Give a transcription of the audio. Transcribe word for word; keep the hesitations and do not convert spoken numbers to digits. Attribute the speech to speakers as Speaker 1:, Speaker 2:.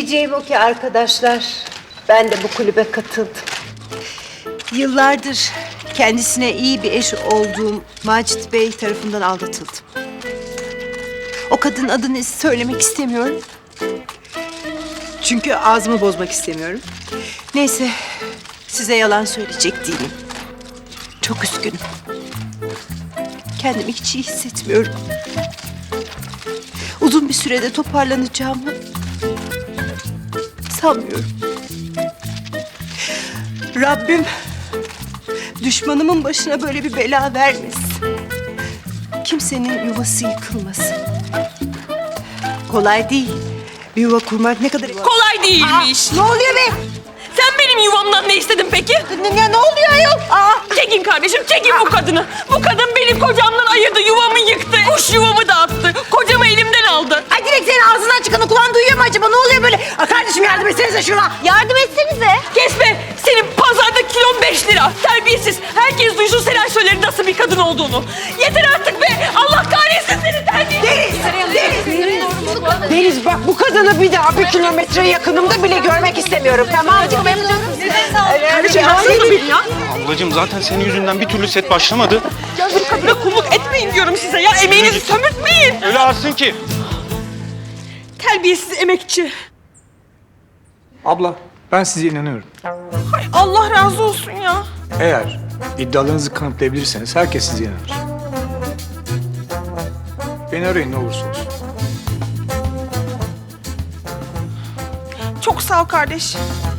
Speaker 1: Diyeceğim o ki arkadaşlar, ben de bu kulübe katıldım. Yıllardır kendisine iyi bir eş olduğum Macit Bey tarafından aldatıldım. O kadının adını söylemek istemiyorum. Çünkü ağzımı bozmak istemiyorum. Neyse, size yalan söyleyecek değilim. Çok üzgünüm. Kendimi hiç iyi hissetmiyorum. Uzun bir sürede toparlanacağımı sanmıyorum. Rabbim düşmanımın başına böyle bir bela vermesin. Kimsenin yuvası yıkılmasın. Kolay değil. Bir yuva kurmak ne kadar...
Speaker 2: Kolay değilmiş.
Speaker 1: Ne oluyor be?
Speaker 2: Sen benim yuvamdan ne istedin peki?
Speaker 1: Ne, ne oluyor ayol? Aa!
Speaker 2: Çekin kardeşim, çekin bu kadını. Bu kadın benim kocamdan ayırdı, yuvamı yıktı. Kuş yuvamı dağıttı. Kocamı elimden aldı.
Speaker 1: Ay direkt senin ağzından çıkanı kulağın duyuyor mu acaba? Ne oluyor böyle? Aa, kardeşim yardım etsenize şuna. Yardım etsenize.
Speaker 2: Kesme, senin pazarda kilon beş lira. Terbiyesiz. Herkes duysun Selen Söyler'in nasıl bir kadın olduğunu. Yeter artık be. Allah kahretsin seni terbiyesiz.
Speaker 1: Deniz, Deniz bak bu kadını bir daha bir kilometre yakınımda bile görmek istemiyorum. Tamam mı?
Speaker 2: Kardeşim haksız mı beni ya?
Speaker 3: Ablacığım zaten senin yüzünden bir türlü set başlamadı.
Speaker 2: Ya bu kadına kulluk etmeyin diyorum size ya. Emeğinizi sömürtmeyin.
Speaker 3: Öyle arsın ki.
Speaker 2: Terbiyesiz emekçi.
Speaker 4: Abla, ben size inanıyorum.
Speaker 2: Hay Allah razı olsun ya.
Speaker 4: Eğer iddialarınızı kanıtlayabilirseniz herkes size inanır. Beni arayın ne olursa olsun.
Speaker 2: Çok sağ ol kardeş.